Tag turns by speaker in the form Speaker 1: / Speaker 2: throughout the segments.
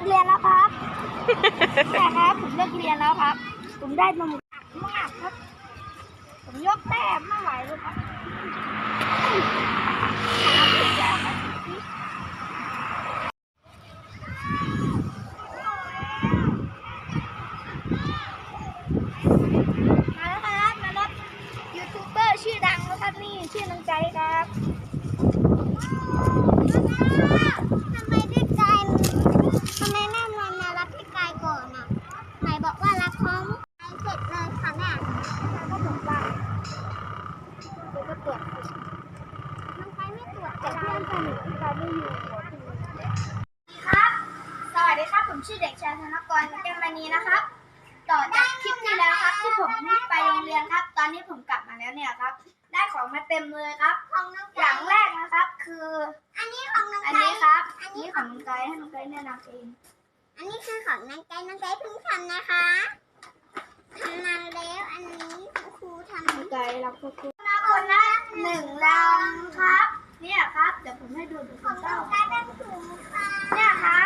Speaker 1: เรียนแล้วครับแต่ครับผมเลิกเรียนแล้วครับผมได้นมมากครับผมยกแต้มไม่ไหวเลยครับมาแล้วครับมารถยูทูบเบอร์ชื่อดังแล้วครับนี่ชื่อน้องใจครับทำไมพี่กายทำไมแม่มารับพี่กายก่อนอ่ะไหนบอกว่ารับพร้อมเสร็จเลยค่ะแม่แล้วก็บอกว่าเดี๋ยวก็ตรวจน้องกายไม่ตรวจแต่เพื่อนสนิทพี่กายไม่อยู่ครับสวัสดีครับผมชื่อเด็กชายธนกรแก้วมณีนะครับต่อจากคลิปที่แล้วครับที่ผมไปโรงเรียนครับตอนนี้ผมกลับมาแล้วเนี่ยครับได้ของมาเต็มเลยครับอย่างแรกนะครับคืออันนี้ของน้องไก่อันนี้ครับอันนี้ของน้องไก่ให้น้องไก่แนะนำเองอันนี้คือของน้องไก่น้องไก่เพิ่งทำนะคะทำมาแล้วอันนี้ครูทำน้องไก่รับครูมาคนละ1 ลังครับเนี่ยครับเดี๋ยวผมให้ดูของน้องไก่เป็นถุงค่ะเนี่ยครับ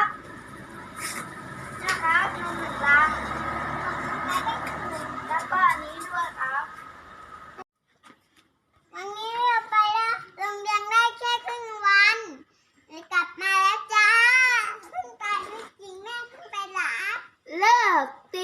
Speaker 1: นม1 ลังแล้วก็อันนี้ด้วยครับวันนี้เราไปแล้วโรงเรียนได้แค่ครึ่งวันเลยกลับมาแล้วจ้าเพิ่งไปไม่จริงแม่เพิ่งไปหลับเลิกตี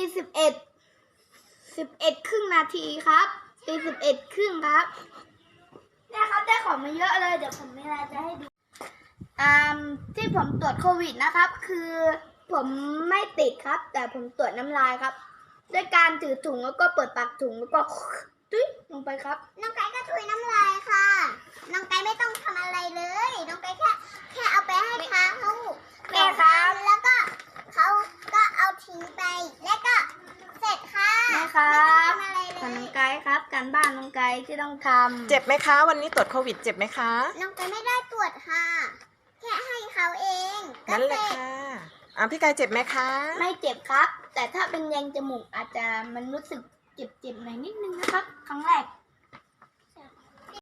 Speaker 1: 11 ครึ่งนาทีครับตี11 ครึ่งครับเนี่ยครับได้ของมาเยอะเลยเดี๋ยวผมมีอะไรจะให้ดูที่ผมตรวจโควิดนะครับคือผมไม่ติดครับแต่ผมตรวจน้ำลายครับด้วยการถือถุงแล้วก็เปิดปากถุงแล้วก็ตุ้ยลงไปครับน้องไก่ก็ถุยน้ำลายค่ะน้องไก่ไม่ต้องทำอะไรเลยน้องไก่แค่เอาไปให้เขาแม่ครับแล้วก็เขาก็เอาทิ้งไปแล้วก็เสร็จค่ะแม่ครับน้องไก่ครับการบ้านน้องไก่ที่ต้องทำ
Speaker 2: เจ็บไหมคะวันนี้ตรวจโควิดเจ็บไหมคะ
Speaker 1: น้องไก่ไม่ได้ตรวจค่ะแค่ให้เขาเอง
Speaker 2: นั่นแหละค่ะพี่กายเจ็บไหมคะ
Speaker 1: ไม่เจ็บครับแต่ถ้าเป็นแยงจมูกอาจจะมันรู้สึกเจ็บๆหน่อยนิดนึงนะครับครั้งแรก